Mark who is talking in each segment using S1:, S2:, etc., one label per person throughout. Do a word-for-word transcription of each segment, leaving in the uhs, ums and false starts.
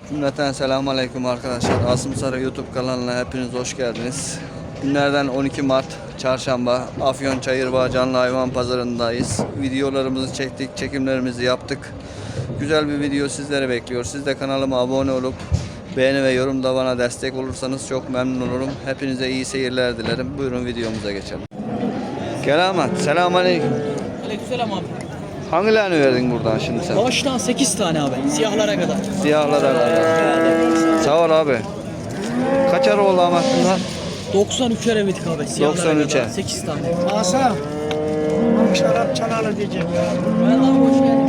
S1: Cümleten selamun aleyküm arkadaşlar. Asım Sarı YouTube kanalına hepiniz hoş geldiniz. Günlerden on iki Mart Çarşamba Afyon Çayırbağ Canlı Hayvan Pazarındayız. Videolarımızı çektik, çekimlerimizi yaptık. Güzel bir video sizleri bekliyor. Siz de kanalıma abone olup beğeni ve yorumda bana destek olursanız çok memnun olurum. Hepinize iyi seyirler dilerim. Buyurun videomuza geçelim. Gel Ahmet. Selamun aleyküm.
S2: Aleykümselam abi.
S1: Hangilerini verdin buradan şimdi sen?
S2: Baştan sekiz tane abi. Siyahlara kadar.
S1: Siyahlara kadar. Sağ ol abi. Kaçar oldu Ahmet bunlar?
S2: doksan üçer evettik abi. Siyahlara
S1: doksan üçe.
S2: kadar. sekiz tane.
S3: Asa. Şarap çanalı diyeceğim ya.
S2: Ben abi hoş geldin.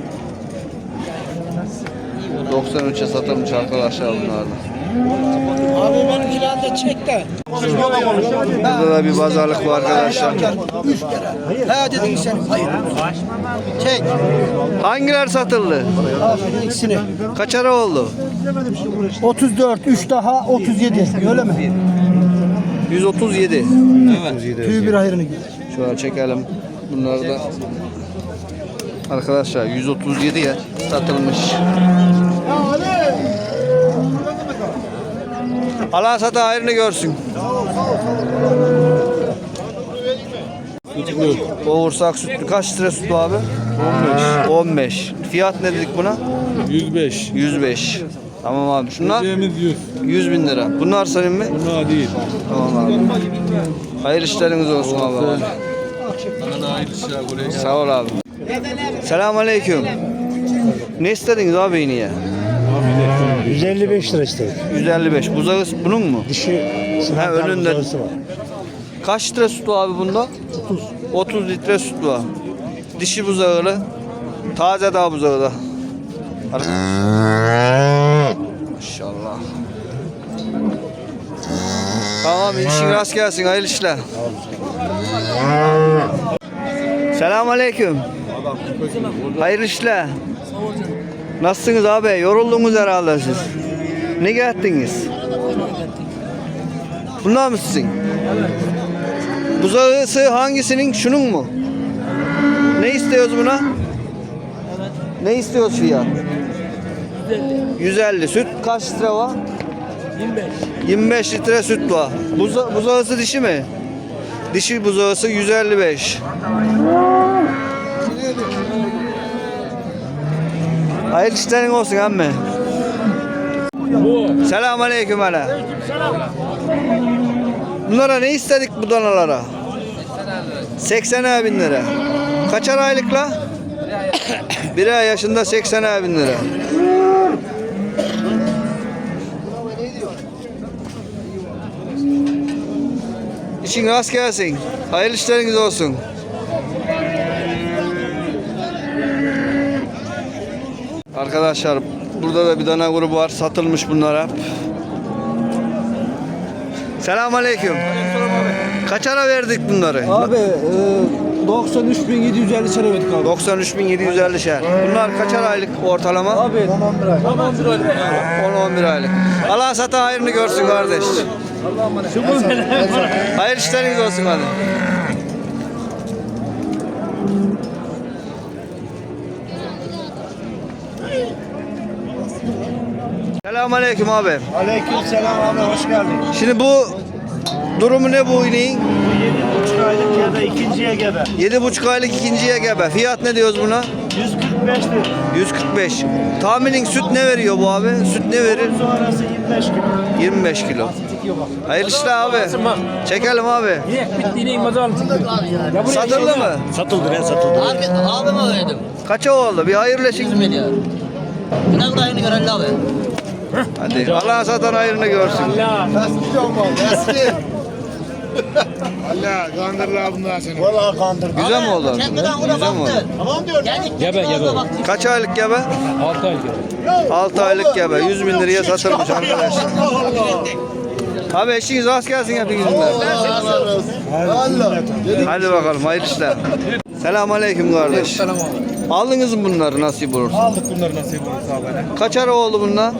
S1: doksan üçe satılmış arkadaşlar bunlardan.
S3: Abi benim kilanda çek de.
S1: Burada da bir pazarlık var arkadaşlar.
S3: Üç kere. Ha dedin sen. Hayır. Çek.
S1: Hangiler satıldı?
S3: Abi ikisini.
S1: Kaçara oldu?
S3: otuz dört, üç daha otuz yedi. Öyle mi?
S1: yüz otuz yedi.
S3: Tüy bir hayrını gör.
S1: Şöyle çekelim. Bunları da. Arkadaşlar yüz otuz yediye satılmış. Allah sata hayrını görsün. Boğursak sütlü kaç lira sütlü abi? on beş. on beş. Fiyat ne dedik buna?
S4: yüz beş.
S1: yüz beş. Tamam abi. Şunlar
S4: Ödeyemiz yüz.
S1: yüz bin lira. Bunlar senin mi?
S4: Bunlar değil.
S1: Tamam abi. Hayırlı işleriniz olsun abi.
S4: Sana da hayırlı işler buraya gel.
S1: Sağ ol abi. Selamünaleyküm. Ne istediniz abi yine?
S3: yüz elli beş lira istedik.
S1: yüz elli beş. Buzağı bunun mu?
S3: Dişi
S1: Ha, önünde.
S3: var.
S1: Kaç litre süt var abi bunda? otuz. otuz litre süt var. Dişi buzağılı. Taze daha buzağı da. Maşallah. Tamam, işin rast gelsin. Hayırlı işler. Selamünaleyküm. Hayırlı işler. Nasılsınız abi? Yoruldunuz herhalde siz. Ne geldiniz? Bunlar mı sizin? Buzağısı hangisinin? Şunun mu? Ne istiyoruz buna? Ne istiyoruz fiyat? yüz elli. Süt kaç litre var?
S2: yirmi beş.
S1: yirmi beş litre süt var. Buza, buzağısı dişi mi? Dişi buzağısı yüz elli beş. Hayırlı işlerin olsun emmi. Selamünaleyküm hele. Bunlara ne istedik bu danalara? seksen bin lira. Kaçar aylıkla? Bir ay yaşında seksen bin lira. İşin rast gelsin. Hayırlı işleriniz olsun. Arkadaşlar burada da bir dana grubu var. Satılmış bunlara. Selamünaleyküm. Kaçara verdik bunları?
S3: Abi e, doksan üç bin yedi yüz elli lira verdik abi.
S1: doksan üç bin yedi yüz elli şer. Bunlar kaçar aylık ortalama?
S3: Abi on bir ay.
S2: Tamam bir aylık.
S1: on on bir aylık. Allah sata hayrını görsün kardeş. Hayırlı işleriniz olsun hadi. Selamünaleyküm abi.
S3: Aleyküm selam abi, hoş geldin.
S1: Şimdi bu durumu ne bu ineğin?
S3: yedi buçuk aylık ya da ikinciye gebe.
S1: yedi buçuk aylık ikinciye gebe. Fiyat ne diyoruz buna?
S3: yüz kırk beş lira.
S1: yüz kırk beş. Tahminin süt ne veriyor bu abi? Süt ne verir?
S3: Sonrası yirmi beş kilo.
S1: yirmi beş kilo. Hayırlı işler abi. Çekelim abi.
S2: Bittiğine imza alın.
S1: Satıldı mı?
S3: Satıldı, ben satıldı.
S5: Abi abime verdim.
S1: Kaça oldu? Bir hayırlı işin.
S5: yüz milyar. Biraz daha yeni görelim abi.
S1: Hadi Allah satan hayrını görsün.
S6: Allah kandırlar bunlar seni.
S3: Valla kandırdı.
S1: Güzel mi oldu?
S5: Çekmeden ona
S1: Güzel mi oldu?
S5: baktı. Tamam diyor. Gebe gebe.
S1: Kaç aylık gebe?
S4: altı ay gel.
S1: altı aylık gebe. yüz bin liraya satılmış arkadaşlar. Abi eşiniz rast gelsin hepinizin. Hadi bakalım hayırlı işler. Selamünaleyküm kardeş. Aldınız mı bunları nasip olursa?
S6: Aldık bunları nasip olursa abi.
S1: Kaç ara oldu bunlar?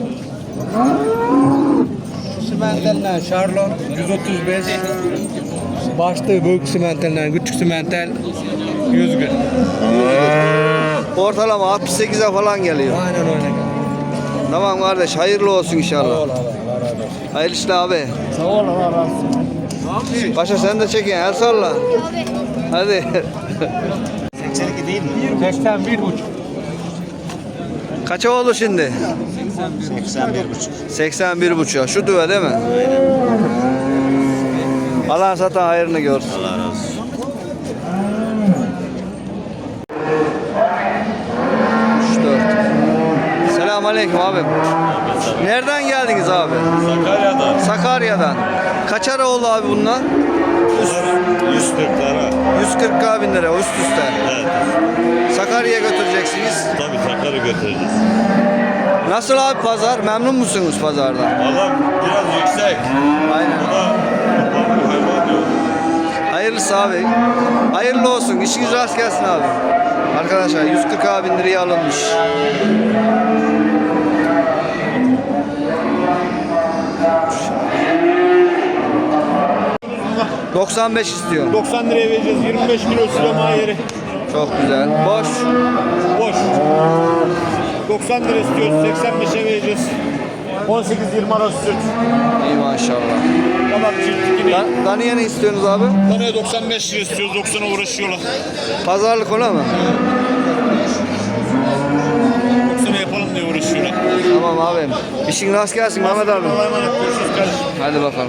S6: Simentelden Şarlon yüz otuz beş. Başta büyük simentelden küçük simentel yüz gün.
S1: Ortalama altmış sekize falan geliyor.
S6: Aynen öyle.
S1: Tamam kardeş, hayırlı olsun inşallah. Hayırlı işler abi.
S3: Sağ ol Allah razı olsun.
S1: Paşa sen de çekin, el salla. Hadi.
S6: seksen bir buçuk.
S1: Kaça oldu şimdi?
S7: seksen bir buçuk.
S1: seksen bir buçuk. Şu düve değil mi? Allah satan hayrını görsün.
S7: Allah razı olsun.
S1: üç dört. Selamun aleyküm abim. Nereden geldiniz abi?
S7: Sakarya'dan
S1: Sakarya'dan. Kaç ara oldu abi bunlar?
S7: yüz kırk lira.
S1: yüz kırk bin lira üst üste.
S7: Evet.
S1: Sakarya'ya götüreceksiniz.
S7: Tabii Sakarya götüreceğiz.
S1: Nasıl abi pazar? Memnun musunuz pazardan?
S7: Valla biraz yüksek.
S1: Aynen.
S7: Bu da bu hayvan diyor.
S1: Hayırlısı abi. Hayırlı olsun. İşiniz rast gelsin abi. Arkadaşlar yüz kırk bin liraya alınmış. doksan beş istiyor.
S8: doksan liraya vereceğiz. yirmi beş kilo silama yeri.
S1: Çok güzel. Boş.
S8: Boş. doksan lira istiyoruz. seksen beşe vereceğiz. on sekiz yirmi arası süt.
S1: İyi maşallah.
S8: Tamam çiftlik yine.
S1: Dan Daniye ne istiyorsunuz abi?
S8: Taneye doksan beş lira istiyoruz. doksana uğraşıyorlar.
S1: Pazarlık ona mı?
S8: doksana yapalım diye uğraşıyorlar.
S1: Tamam abim. İşin rast gelsin Mehmet abi.
S8: Allah'a emanet. Görüşürüz kardeşim.
S1: Hadi bakalım.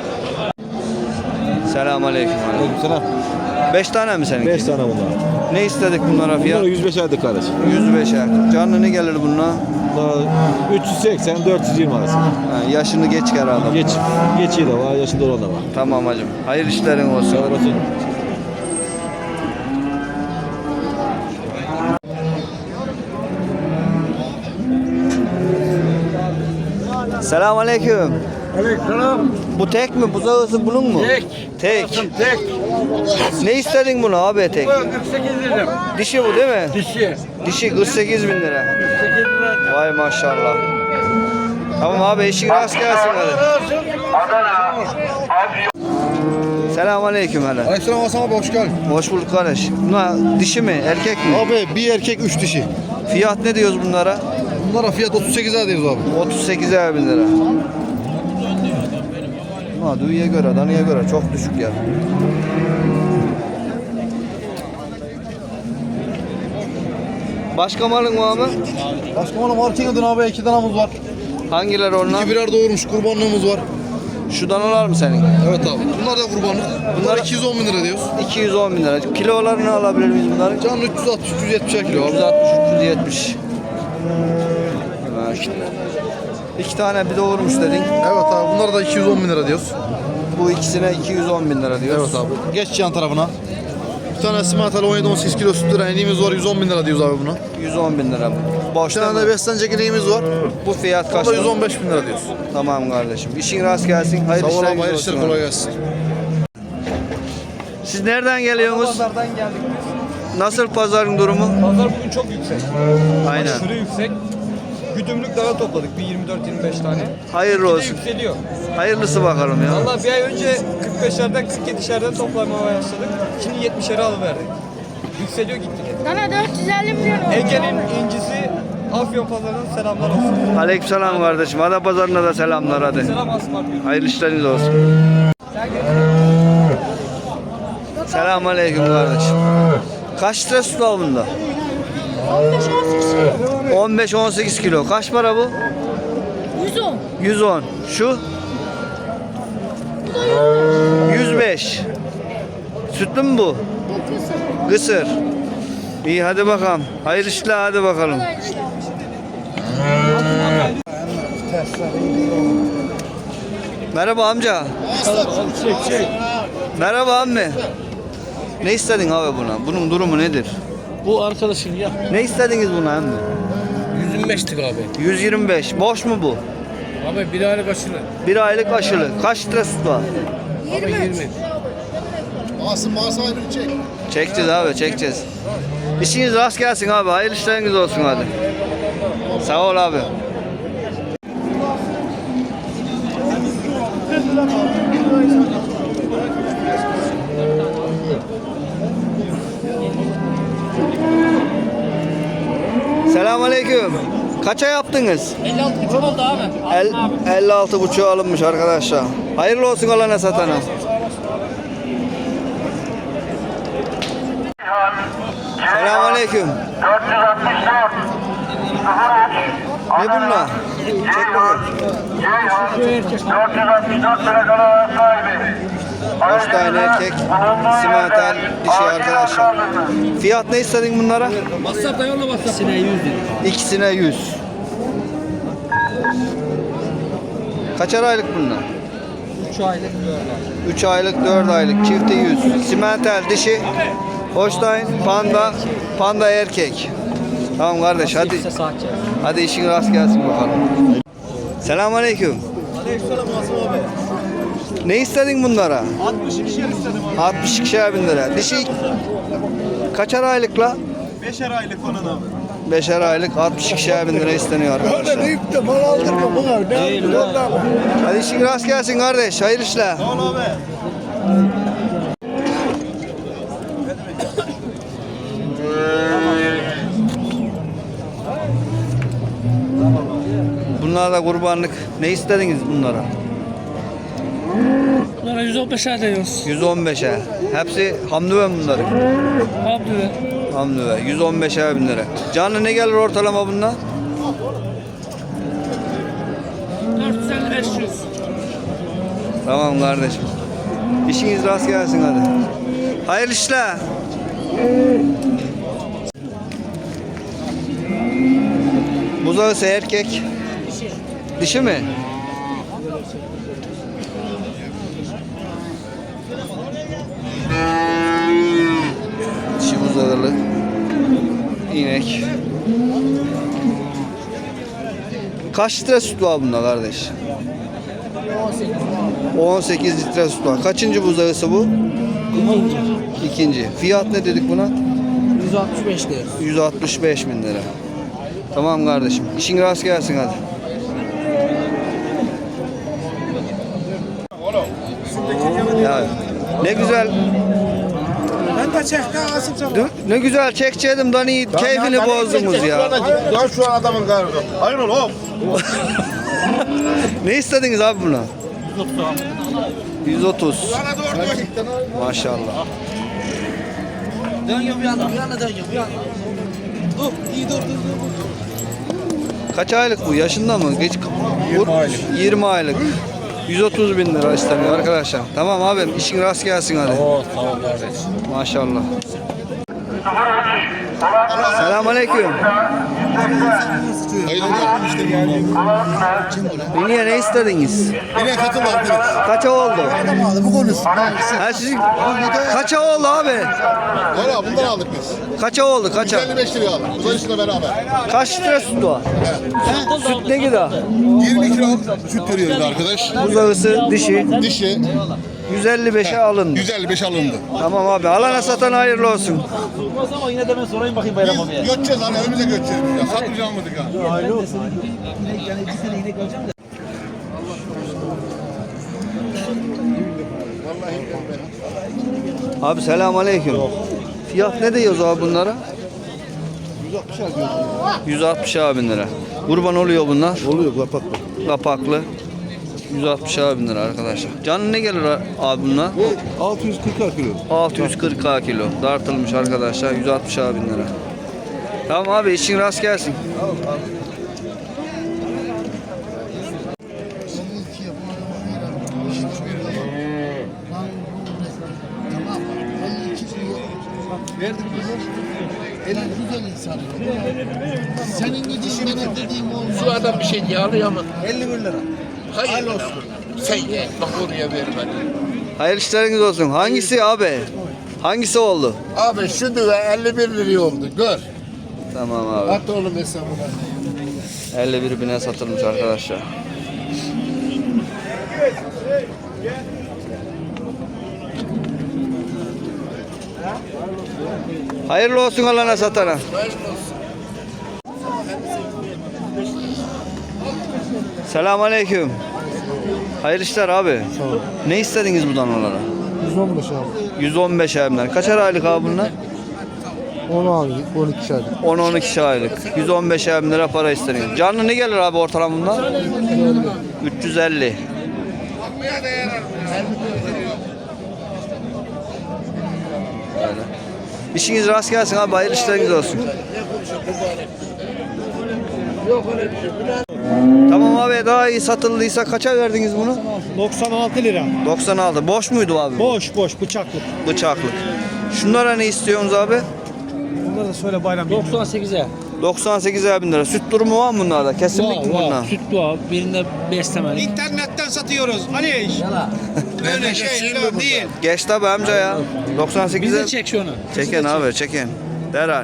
S1: Selamun aleyküm.
S9: Selam.
S1: Beş tane mi seninki?
S9: beş tane bunlar.
S1: Ne istedik bunlara fiyat?
S9: Bunlar yüz beş aylık kardeşim.
S1: yüz beşe. Canlı ne gelir bununla?
S9: Bunlar üç yüz seksen dört yüz yirmi arası.
S1: Ha, yaşını geç herhalde.
S9: Geç. Geçiği de var, yaşında olan da var.
S1: Tamam hacım. Hayırlı işlerin olsun.
S9: Sağ olasın.
S1: Selamun aleyküm.
S2: Aleykümselam.
S1: Bu tek mi? Buzağısı bunun mu?
S2: Tek.
S1: Tek.
S2: Tek.
S1: Ne istedin bunu abi tek?
S2: kırk sekiz lira.
S1: Dişi bu değil mi?
S2: Dişi.
S1: Dişi kırk sekiz bin lira.
S2: kırk sekiz lira.
S1: Vay maşallah. Tamam abi işin rast gelsin hadi. Selamun aleyküm hele.
S6: Aleykümselam Hasan abi hoş geldin.
S1: Hoş bulduk kardeş. Bunlar dişi mi? Erkek mi?
S6: Abi bir erkek üç dişi.
S1: Fiyat ne diyoruz bunlara?
S6: Bunlara fiyat otuz sekiz lira diyoruz abi.
S1: otuz sekize bin lira. Ha, düğüye göre, danıya göre çok düşük ya. Başka malın var mı?
S6: Başka bana marketin abi iki danamız var.
S1: Hangileri onlar?
S6: İki birer doğurmuş kurbanlığımız var.
S1: Şu danalar mı senin?
S6: Evet abi. Bunlar da kurbanlık. Bunlar iki yüz on bin lira diyoruz.
S1: iki yüz on bin lira. Kilolarını alabilir miyiz bunları?
S6: Canlı üç yüz altmış üç yüz yetmiş kilo abi.
S1: üç yüz altmış üç yüz yetmiş. Ha, işte. İki tane bir doğurmuş dedin.
S6: Evet abi bunlara da iki yüz on bin lira diyoruz.
S1: Bu ikisine iki yüz on bin lira diyoruz.
S6: Evet abi. Geç yan tarafına. Bir tane simantalı on yedi on sekiz kilo süt lira iniğimiz var yüz on bin lira diyoruz abi buna.
S1: yüz on bin lira.
S6: Bir
S1: Boş
S6: tane
S1: değil
S6: de
S1: mi?
S6: beslenecek iniğimiz var.
S1: Bu fiyat kaç?
S6: O da yüz on beş bin lira diyoruz.
S1: Tamam kardeşim. İşin rast gelsin. Hayırlı
S6: Sağ ol
S1: işler
S6: abi hayırlı
S1: olsun.
S6: işler kolay gelsin.
S1: Siz nereden geliyorsunuz?
S2: Pazardan geldik biz.
S1: Nasıl pazarın durumu?
S2: Pazar bugün çok yüksek.
S1: Aynen.
S2: Aşırı yüksek. Güdümlük dağı topladık bir yirmi dört yirmi beş tane.
S1: Hayırlı
S2: Bir de
S1: olsun.
S2: yükseliyor.
S1: Hayırlısı bakalım ya.
S2: Valla bir ay önce kırk beşlerden kırk yedişerden toplamaya başladık. Şimdi yetmişere alıverdik. Yükseliyor gitti.
S10: Sana dört yüz elli milyon oldu.
S2: Ege'nin incisi Afyon pazarının selamlar olsun.
S1: Aleykümselam kardeşim. Ada pazarına da selamlar hadi.
S2: Selam Asmar diyor.
S1: Hayırlı işleriniz olsun. Selamünaleyküm kardeşim. Kaç litre süt var bunda?
S10: on beş on sekiz.
S1: on beş on sekiz kilo. Kaç para bu?
S10: yüz on.
S1: yüz on. Şu? yüz beş. Sütlü mü bu?
S10: Bu kısır.
S1: Kısır. İyi hadi bakalım. Hayırlı işler hadi bakalım.
S10: Kolay işler.
S1: Merhaba amca. Merhaba ammi. Ne istedin abi buna? Bunun durumu nedir?
S4: Bu arkadaşım ya.
S1: Ne istediniz buna ammi?
S4: yüz yirmi beştik abi.
S1: yüz yirmi beş. Boş mu bu?
S4: Abi bir aylık aşılı.
S1: Bir aylık aşılı. Kaç litre süt var?
S4: Abi yirmi.
S6: Asım bana sahibini çek.
S1: Çekeceğiz abi çekeceğiz. İşiniz rast gelsin abi. Hayırlı işleriniz olsun hadi. Sağ ol abi. Selamünaleyküm. Kaça yaptınız?
S5: elli altı buçuk oldu abi.
S1: El, elli altı buçuğu alınmış arkadaşlar. Hayırlı olsun alana satana. Selamünaleyküm. Ne bunlar? Çek bakayım. Beş tane erkek, simental dişi arkadaşlar. Fiyat ne istedin bunlara?
S4: WhatsApp'ta yolla WhatsApp. Sine yüz dedi.
S1: İkisine yüz. Kaçar aylık bunlar?
S2: üç aylık böyle.
S1: üç aylık, dört aylık, çifti yüz. Simental dişi, Holstein, panda, panda erkek. Tamam kardeş hadi. Hadi işin rast gelsin bakalım. Selamünaleyküm.
S8: Aleykümselam Asım abi.
S1: Ne istedin bunlara?
S8: altmış ikişer istedim abi.
S1: altmış ikişer bin lira. Dişi kaçar aylıkla?
S8: beşer aylık onun abi.
S1: beşer aylık altmış ikişer bin lira isteniyor arkadaşlar.
S3: Deyip de mal aldırma buna. Ne
S1: Hadi işin rast gelsin kardeş. Hayırlı işler.
S8: Sağ ol abi.
S1: Bunlar da kurbanlık. Ne istediniz bunlara?
S4: Bunlara yüz on beşer diyoruz.
S1: yüz on beşe. Hepsi hamdüve bunları.
S4: Abi.
S1: Hamdüve. yüz on beşer bin lira. Canlı ne gelir ortalama bunlar?
S4: dört yüz elli beş yüz.
S1: Tamam kardeşim. İşiniz rast gelsin hadi. Hayırlı işler. Buzağısı erkek. Dişi mi? Dişi buzağılı. İnek. Kaç litre süt var bunda kardeş? on sekiz litre süt var. Kaçıncı buzağısı bu? İkinci. Fiyat ne dedik buna?
S5: yüz altmış beş lira.
S1: yüz altmış beş bin lira. Tamam kardeşim. İşin rast gelsin hadi. Ya ne güzel.
S3: Ben de çektim Asım sana.
S1: Ne güzel çekçeydim Dani keyfini bozdunuz ya.
S8: Ya şu an adamın karnı. Hayır oğlum.
S1: Ne istediniz abi buna? yüz otuz. Maşallah.
S5: Dönüyor bir anda, bir anda dönüyor, bir anda. Dur, iyi dur, dur, dur.
S1: Kaç aylık bu? Yaşında mı? Geç yirmi aylık. yirmi aylık. yüz otuz bin lira isteniyor arkadaşlar. Tamam abim işin rast gelsin hadi.
S4: Oo, tamam kardeş.
S1: Maşallah. Selamünaleyküm. Beniye ne istediniz?
S8: Yine katıl var.
S1: Kaça oldu?
S3: Bu konusu.
S1: Ha sizin kaça oldu abi?
S8: Valla bundan aldık biz.
S1: Kaça oldu kaça?
S8: elli beş liraya aldık. Uzayışla beraber.
S1: Kaç litre süt var? Süt ne kadar?
S8: yirmi kilo süt veriyoruz arkadaş.
S1: Buzağısı dişi
S8: Dişi
S1: yüz elli beşe alındı.
S8: yüz elli beş alındı.
S1: Tamam abi alana satan hayırlı olsun.
S9: Ama yine de ben sorayım bakayım Bayram abiye.
S8: Biz göçeceğiz hani önümüze göçeceğiz. Ya satmayacağım mıydık ha?
S1: Abi selamünaleyküm. Fiyat ne diyoruz abi bunlara? yüz altmış bin lira. Kurban oluyor bunlar.
S8: Oluyor kapaklı.
S1: Kapaklı. yüz altmış bin lira arkadaşlar. Canlı ne gelir abi bunlar?
S8: altı yüz kırk kilo.
S1: altı yüz kırk kilo. Dartılmış arkadaşlar. yüz altmış bin lira. Tamam abi işin rast gelsin.
S3: Verdik bize. elli güzel insan. Senin dediğin benim dediğim olmaz.
S4: Şu adam bir şey diye alıyor ama.
S3: elli bir lira.
S4: Hayır olsun. Sen ye. Bak oraya ver bana.
S1: Hayırlı işleriniz olsun. Hangisi abi? Hangisi oldu?
S8: Abi şu düve elli bir liraya oldu. Gör.
S1: Tamam abi.
S8: At oğlum hesabına.
S1: elli bir bine satılmış arkadaşlar. Hayırlı olsun alana satana. Selamünaleyküm. Hayırlı işler abi. Ne istediniz bu danalara?
S3: yüz on beş abi.
S1: yüz on beş abimler. Kaçar aylık abi bunlar?
S3: on aylık, on iki aylık.
S1: on on iki aylık. yüz on beş bin lira para isteniyor. Canlı ne gelir abi ortalama bunlar? üç yüz elli. Öyle. İşiniz rast gelsin abi. Hayırlı işleriniz olsun. Tamam abi, daha iyi satıldıysa kaça verdiniz bunu?
S8: doksan altı lira.
S1: doksan altı. Boş muydu abi?
S8: Boş boş bıçaklık.
S1: Bıçaklık. Şunlara ne istiyorsunuz abi?
S8: Bunları da söyle bayram.
S9: doksan sekize.
S1: doksan sekiz bin lira. Süt durumu var mı bunlarda? Kesinlikle mi bunlar?
S9: Süt var. Birinde beslemeli.
S8: İnternetten satıyoruz. Ali. Öyle şey değil.
S1: Geç tabi amca ya. doksan
S9: Biz
S1: sekize
S9: de çek şunu.
S1: çeken abi, çeken. Derhal.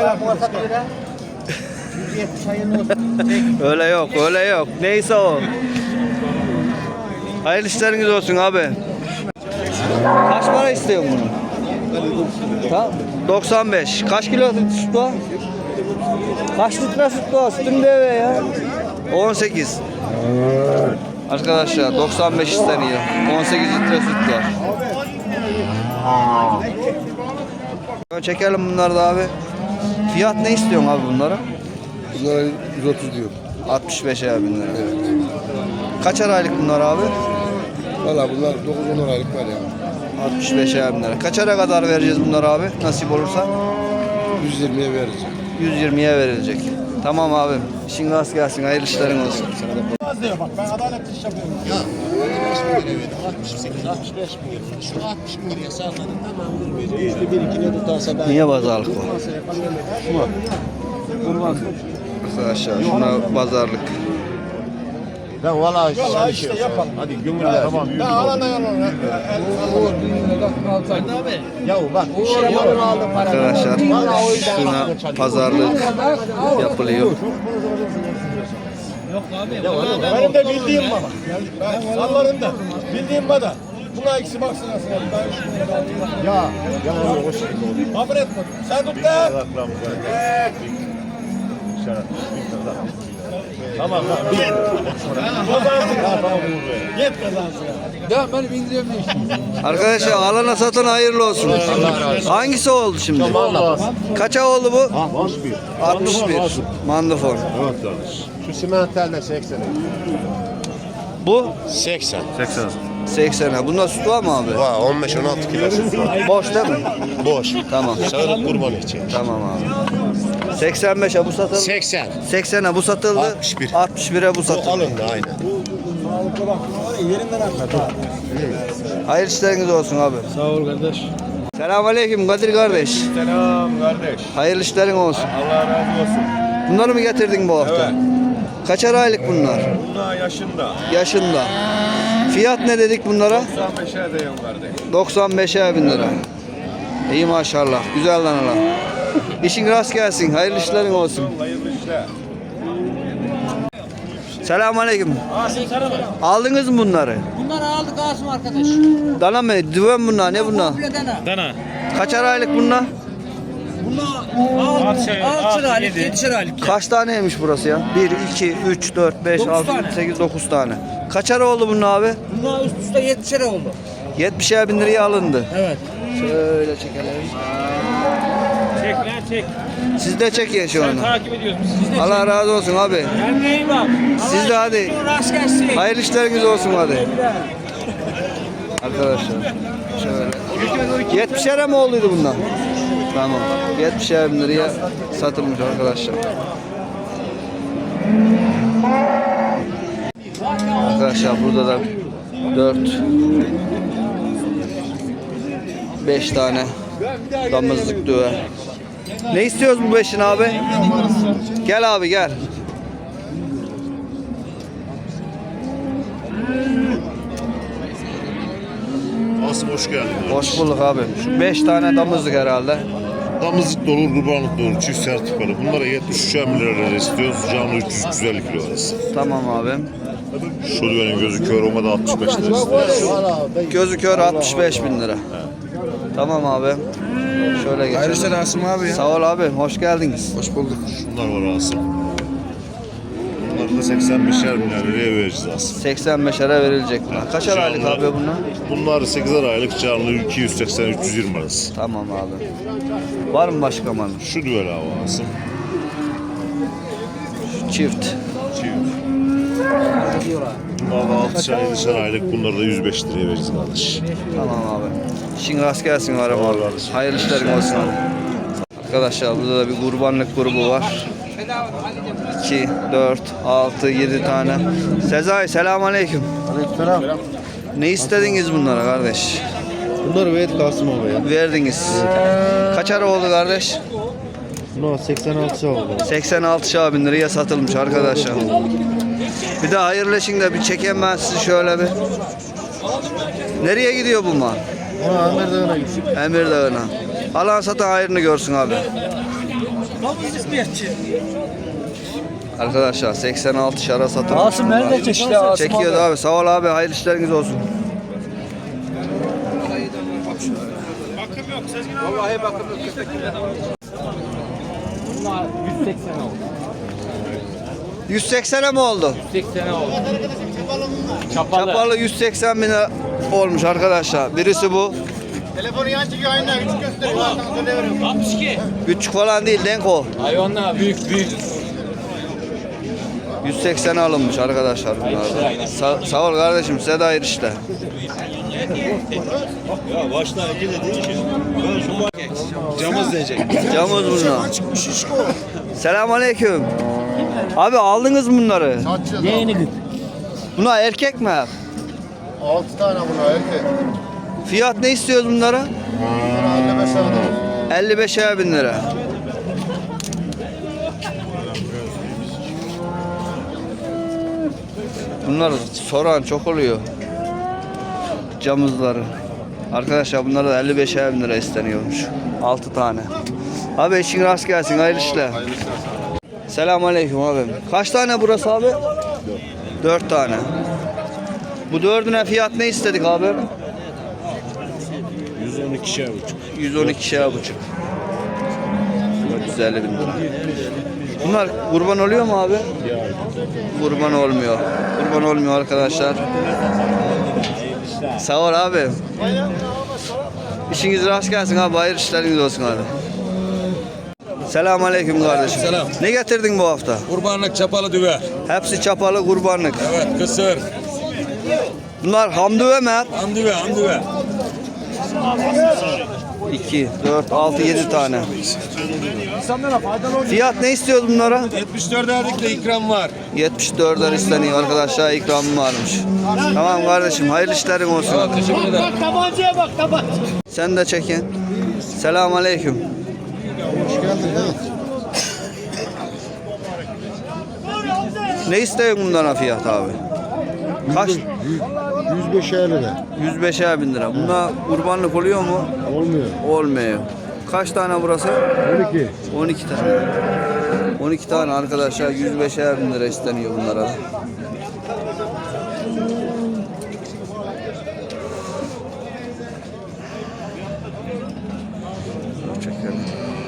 S1: Öyle yok, öyle yok. Neyse o. Hayırlı işleriniz olsun abi. Kaç para istiyorsun bunu? Tamam. doksan beş. Kaç kilo süt var? Kaç litre süt var? Sütün de eve ya. on sekiz. Arkadaşlar doksan beş isteniyor. on sekiz litre süt var. Çekelim bunları da abi. Fiyat ne istiyorsun abi bunlara?
S3: Bunlara yüz otuz diyor.
S1: altmış beş bin lira. Evet. Kaçar aylık bunlar abi?
S3: Valla bunlar dokuz on aylık var ya.
S1: altmış beş bin lira. Kaçara kadar vereceğiz bunları abi? Nasip olursa?
S3: yüz yirmiye veririz.
S1: yüz yirmiye verilecek. Tamam abi. İşin rast gelsin. Hayırlı işlerin olsun.
S8: Az diyor bak ben adaletli iş yapıyorum.
S3: Ya altmış bin liraya verdim. altmış sekiz, altmış beş bin liraya. Şu altmış bin liraya salladım. Tamam. Yüzde bir iki ne tutarsa ben.
S1: Niye pazarlık o? Arkadaşlar şuna pazarlık.
S3: Ben valla
S8: Vallahi işte yapalım.
S3: Hadi gümrüle. Tamam.
S8: Ben alana yalan.
S3: Ya bak bir şey yapalım aldım.
S1: Arkadaşlar şuna pazarlık yapılıyor.
S8: Benim de bildiğim baba. Ben sallarım da. Bildiğim baba. Buna eksi baksana sen.
S3: Ya. Ya hoş geldin.
S8: Kabul etme. Sen tut da.
S3: Tamam lan.
S8: Git kazansın.
S5: Ya ben indiriyorum ne işte.
S1: Arkadaşlar alana satın hayırlı olsun. Hangisi oldu şimdi? Kaça oldu bu?
S3: altmış bir.
S1: altmış bir. Mandafon.
S3: Evet kardeş. Şu simenterle seksen.
S1: Bu
S3: seksen.
S1: seksen. Bunda süt var mı abi?
S3: Var on beş on altı kilo süt var.
S1: Boş değil mi?
S3: Boş.
S1: Tamam.
S3: Sağlık kurbanı için.
S1: Tamam abi. seksen beşe bu satıldı.
S3: seksen.
S1: seksene bu satıldı.
S3: altmış bir.
S1: altmış bire bu
S3: O
S1: satıldı.
S3: alındı aynen.
S1: Hayırlı işleriniz olsun abi.
S5: Sağ ol kardeş.
S1: Selamünaleyküm Kadir kardeş.
S8: Selam kardeş.
S1: Hayırlı işlerin olsun.
S8: Allah razı olsun.
S1: Bunları mı getirdin bu hafta?
S8: Evet.
S1: Kaçar aylık bunlar?
S8: Bunlar yaşında.
S1: Yaşında. Fiyat ne dedik bunlara?
S8: doksan beşe diyorum kardeş.
S1: doksan beşe bin lira. İyi maşallah. Güzel lan lan. İşin rast gelsin. Hayırlı işlerin olsun.
S8: Hayırlı işler.
S1: Selamünaleyküm. Aldınız mı bunları?
S9: Bunları aldık Asım arkadaş.
S1: Dana mı? Düven bunlar. Ne bunlar?
S9: Dana.
S1: Kaçar aylık bunlar?
S9: Bunlar altı aylık, yedi aylık.
S1: Kaç taneymiş burası ya? bir, iki, üç, dört, beş,
S9: Dokuz
S1: altı,
S9: tane.
S1: yedi, sekiz, dokuz tane. Kaçar oldu bunun abi?
S9: Bunlar üst üste yedi oldu.
S1: yetmişer bin liraya alındı.
S9: Evet.
S1: Şöyle çekelim.
S9: Çek lan çek.
S1: Siz de çekin şu an.
S9: Takip ediyoruz biz. Siz de
S1: Allah razı olsun abi.
S9: Kendine iyi bak.
S1: Siz de hadi.
S9: Rast gelsin.
S1: Hayırlı işleriniz olsun hadi. Arkadaşlar şöyle. yetmişer mi olduydu bundan? Tamam. yetmişer bin liraya satılmış arkadaşlar. Arkadaşlar burada da dört beş tane damızlık düve. Ne istiyoruz bu beşin abi? Gel abi gel.
S3: Asım hoş geldin.
S1: Hoş bulduk abi. Şu beş tane damızlık herhalde.
S3: Damızlık da olur, kurbanlık da olur. Çift sertifikalı. Bunlara yetmiş üç lira istiyoruz. Canlı üç yüz yüz elli kilo arası.
S1: Tamam abi.
S3: Şu düvenin gözü kör olmadı altmış beş lira istiyoruz.
S1: Gözü kör altmış beş bin lira. Tamam abi. Şöyle geçelim.
S6: Hayırlı işler Asım abi ya.
S1: Sağ ol abi. Hoş geldiniz.
S6: Hoş bulduk.
S3: Bunlar var Asım. Bunlar
S7: bunları seksen beşer milyar liraya vereceğiz aslında.
S1: seksen beşere verilecek bunlar. Kaçar aylık abi bunlar?
S7: Bunlar sekizer aylık canlı iki yüz seksen üç yüz yirmi arası.
S1: Tamam abi. Var mı başka malı?
S7: Şu düvel havası.
S1: Çift.
S7: Çift. Bunlar da altı ay, yedi aylık, bunları da yüz beş liraya vereceğiz kardeş.
S1: Tamam abi. İşin rast gelsin var ama.
S7: Sağ ol kardeşim.
S1: Hayırlı işlerin olsun abi. Arkadaşlar burada da bir kurbanlık grubu var. iki, dört, altı, yedi tane. Sezai selamünaleyküm.
S3: Aleykümselam.
S1: Ne istediniz bunlara kardeş?
S3: Bunları ver Kasım abi ya.
S1: Verdiniz. Kaçar oldu kardeş?
S3: Buna seksen altı oldu.
S1: seksen altı bin liraya satılmış arkadaşlar. Bir de hayırlı işin de bir çekeyim ben sizi şöyle bir. Nereye gidiyor bu mal?
S3: Buna Amir Dağı'na gitsin.
S1: Emir Dağı'na. Alan satan hayrını görsün abi. Arkadaşlar seksen altı şara satılmış.
S9: Asım nerede çeşitli Asım
S1: Çekiyordu abi. Sağ ol abi. Hayırlı işleriniz olsun.
S9: Vallahi bakım yok. Bunlar yüz seksen oldu.
S1: yüz seksene mi oldu?
S9: yüz seksen oldu. Çapalı.
S1: Çapalı yüz seksen bin lira olmuş arkadaşlar. Birisi bu.
S8: Telefonu yan çıkıyor aynen. Üç gösteriyor.
S9: altmış iki.
S1: Küçük falan değil, denk o.
S9: Hayvanlar büyük büyük.
S1: yüz seksene alınmış arkadaşlar bunlar. Sa sağ ol kardeşim. Size de hayırlı işler.
S7: Ya başta iki dediğin şey. Ben şu
S8: Camız diyecek.
S1: Camız bunlar. Selamünaleyküm. Abi aldınız mı bunları?
S3: Yeğeni git.
S1: Bunlar erkek mi?
S3: altı tane buna erkek.
S1: Fiyat ne istiyoruz bunlara?
S3: Buna elli beş aldım.
S1: elli beşer bin lira. Bunlar soran çok oluyor. Camızları. Arkadaşlar bunlara da elli beşer bin lira isteniyormuş. altı tane. Abi işin rast gelsin. Hayırlı işler. Selamünaleyküm abi. Kaç tane burası abi? dört tane. Bu dördüne fiyat ne istedik abi?
S7: yüz on ikişer buçuk.
S1: yüz on ikişer buçuk. dört yüz elli bin lira. Bunlar kurban oluyor mu abi? Kurban olmuyor. Kurban olmuyor arkadaşlar. Sağ ol abi. İşiniz rast gelsin abi. Hayırlı işleriniz olsun abi. Selamünaleyküm kardeşim.
S5: Selam.
S1: Ne getirdin bu hafta?
S5: Kurbanlık çapalı düve.
S1: Hepsi çapalı kurbanlık.
S5: Evet kısır.
S1: Bunlar hamdüve mi hep?
S5: Andüve andüve.
S1: iki, dört, altı, yedi tane. Fiyat ne istiyoruz bunlara?
S5: yetmiş dört erdik de ikram var.
S1: yetmiş dörder isteniyor arkadaşlar. İkramım varmış. Tamam kardeşim. Hayırlı işlerin olsun.
S5: Evet, teşekkür ederim.
S8: Tabancaya bak tabanca.
S1: Sen de çekin. Selamünaleyküm.
S3: Hoş geldin.
S1: Ne istiyorsun bunlara fiyat abi? Kaç?
S3: yüz beşer lira.
S1: yüz beşer bin lira. Bunda kurbanlık oluyor mu?
S3: Olmuyor.
S1: Olmuyor. Kaç tane burası?
S3: on iki.
S1: on iki tane. on iki tane arkadaşlar yüz beşer bin lira isteniyor bunlara da. Çekelim.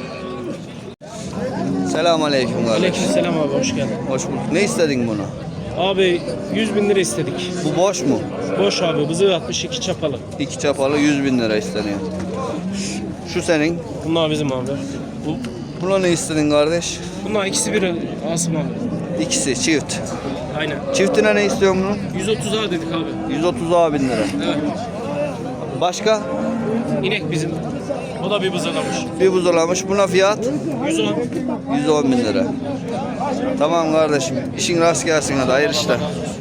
S1: Selamünaleyküm kardeş.
S9: Aleykümselam abi hoş geldin.
S1: Hoş bulduk. Ne istedin bunu?
S9: Abi yüz bin lira istedik.
S1: Bu boş mu?
S9: Boş abi bızığı altmış iki çapalı.
S1: İki çapalı yüz bin lira isteniyor. Şu senin.
S9: Bunlar bizim abi. Bu,
S1: Buna ne istedin kardeş?
S9: bunlar ikisi bir Asım abi.
S1: İkisi çift.
S9: Aynen.
S1: Çiftine ne istiyorsun bunun?
S9: yüz otuza dedik abi.
S1: yüz otuz bin lira.
S9: Evet.
S1: Başka?
S9: İnek bizim. O da bir bızılamış.
S1: Bir buzulamış. Buna fiyat
S9: yüz on.
S1: yüz on bin lira. Tamam kardeşim. İşin rast gelsin hadi. Hayırlı işler.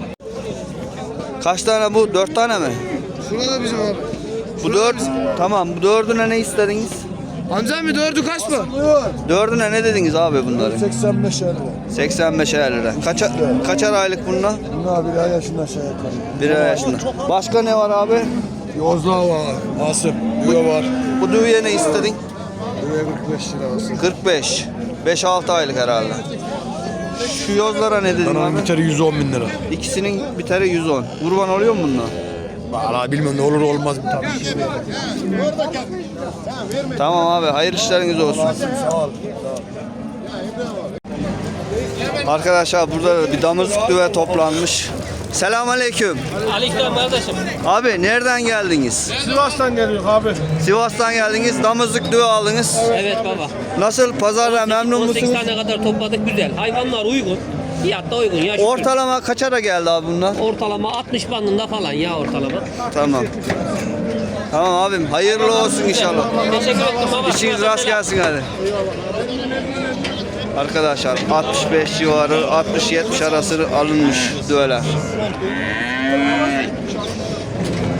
S1: Kaç tane bu? Dört tane mi?
S3: Şurada bizim abi.
S1: Bu dört. Tamam. Bu dördüne ne istediniz?
S3: Amca mı dördü kaç mı?
S1: Dördüne ne dediniz abi bunları?
S3: seksen beşer lira.
S1: seksen beşer lira. Kaça, kaçar aylık bunlar?
S3: Bunlar bir ay yaşında şey yapar.
S1: Bir ay yaşında. Başka ne var abi?
S3: Yozla var. Asım. Düve var.
S1: Bu düğüye ne istedin?
S3: Düve kırk beş lira olsun.
S1: kırk beş. beş altı aylık herhalde. Şu yozlara ne dedin
S3: Dananın
S1: abi?
S3: biteri yüz on bin lira.
S1: İkisinin biteri yüz on. Kurban oluyor mu bunlar?
S3: Valla bilmiyorum ne olur olmaz bir tabii.
S1: Tamam abi. Hayırlı işleriniz olsun.
S3: Sağ ol.
S1: Arkadaşlar burada da bir damızlık düve toplanmış. Selamünaleyküm.
S9: Aleyküm kardeşim.
S1: Abi nereden geldiniz?
S8: Sivas'tan geliyor abi.
S1: Sivas'tan geldiniz. Damızlık düve aldınız.
S9: Evet baba.
S1: Nasıl? Pazarda memnun
S9: on sekiz
S1: musunuz?
S9: tane kadar topladık, güzel. Hayvanlar uygun. Fiyat da uygun ya. şükür.
S1: Ortalama kaça da geldi abi bunlar?
S9: Ortalama altmış bandında falan ya ortalama.
S1: Tamam. Tamam abim. Hayırlı olsun inşallah.
S9: Teşekkür ederim baba.
S1: İşiniz rast gelsin hadi. Arkadaşlar altmış beş civarı altmış yetmiş arası alınmış düveler.